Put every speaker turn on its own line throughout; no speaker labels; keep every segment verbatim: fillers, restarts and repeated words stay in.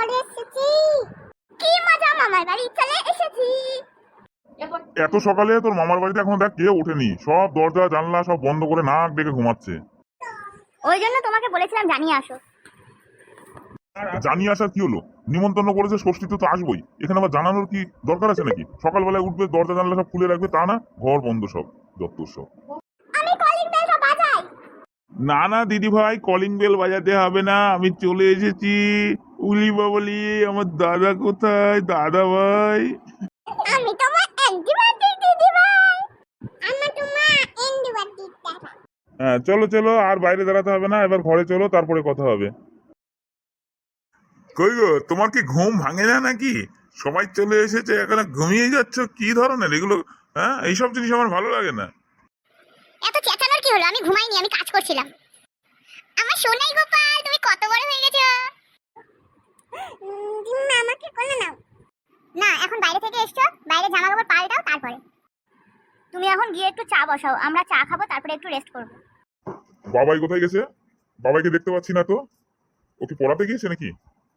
বাড়ি এসেছি। কি মজা, মামার বাড়ি চলে এসেছি।
এত সকালে তোর মামার বাড়িতে এখনো দেখ কেউ ওঠেনি, সব দরজা জানলা সব বন্ধ করে নাক ডেকে ঘুমাচ্ছে।
ওই জন্য তোমাকে বলেছিলাম জানিয়ে আসো।
জানিয়ে আসার কি হলো? নিমন্ত্রণ করেছে, ষষ্ঠীতে তো আসবোই, এখানে আবার জানানোর কি দরকার আছে নাকি? সকালবেলায় উঠবে, দরজা জানলা সব খুলে রাখবে, তা না ঘর বন্ধ সব যত সব।
আমি কলিং বেলটা বাজাই।
না না দিদি ভাই, কলিং বেল বাজাতে হবে না, আমি চলে এসেছি। উলি বাবলি, আমার দাদা কোথায়? দাদা ভাই।
আমি তোমার অ্যান্টিবায়োটিক দিদি ভাই। আমি তোমার অ্যান্টিবায়োটিক দাদা।
হ্যাঁ চলো চলো, আর বাইরে দাঁড়াতে হবে না, এবার ঘরে চলো, তারপরে কথা হবে। কই গো, তোমার কি ঘুম ভাঙে না নাকি? সবাই চলে এসেছে, এখানে ঘুমিয়ে যাচ্ছ, কি ধরনের এগুলো? হ্যাঁ, এইসব জিনিস আমার ভালো লাগে না।
এত চেঁচানোর কি হলো? আমি ঘুমাইনি, আমি কাজ করছিলাম। আমার সোনাই গোপাল, তুমি কত বড় হয়ে গেছো। দিম্মা আমাকে কোলে নাও। না, এখন বাইরে থেকে এসছো, বাইরে জামা কাপড় পাল্টাও তারপরে। তুমি এখন গিয়ে একটু চা বসাও, আমরা চা খাবো, তারপরে একটু রেস্ট করবো।
বাবাই কোথায় গেছে? বাবাইকে দেখতে পাচ্ছি না তো। ওকে পড়াতে গিয়েছে নাকি?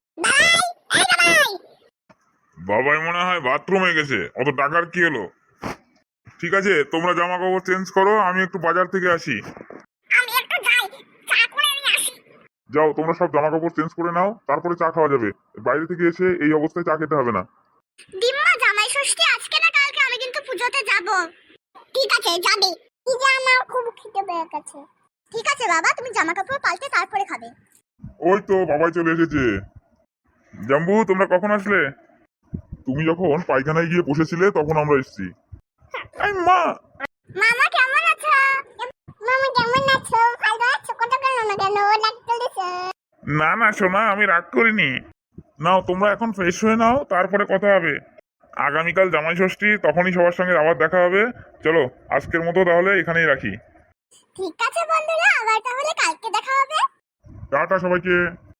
বাবাই মনে হয় বাথরুমে গেছে, অত টাকার কি হলো? ঠিক আছে, তোমরা জামা কাপড় চেঞ্জ করো, আমি একটু বাজার থেকে আসি।
আমি একটু যাই, চা করে নিয়ে আসি।
যাও, তোমরা সব জামা কাপড় চেঞ্জ করে নাও, তারপরে চা খাওয়া যাবে। বাইরে থেকে এসে এই অবস্থায় চা খেতে হবে না।
দিম্মা, জামাই ষষ্ঠী আজকে না কালকে, আমি কিন্তু পুজোতে যাব। ঠিক আছে, যাবে। কি যে আমার খুব খিদে পেয়ে গেছে। ঠিক আছে বাবা, তুমি জামা কাপড় পাল্টে তারপরে খাবে।
ওই তো বাবাই চলে এসেছে। জাম্বু, তোমরা কখন আসলে? তুমি যখন পায়খানায় গিয়ে বসেছিলে তখন আমরা এসেছি। এই মা!
মামা কেমন আছো? মামা কেমন আছো? ভালো আছো? কত কেন না কেন লাগতে দিছে?
না না সোনা, আমি রাগ করিনি। নাও, তোমরা এখন ফ্রেশ হয়ে নাও, তারপরে কথা হবে। আগামীকাল জামাই ষষ্ঠী, তখনই সবার সঙ্গে আবার দেখা হবে। চলো, আজকের মতো তাহলে এখানেই রাখি।
ঠিক আছে বন্ধুরা, আবার তাহলে কালকে দেখা হবে।
টাটা সবাইকে।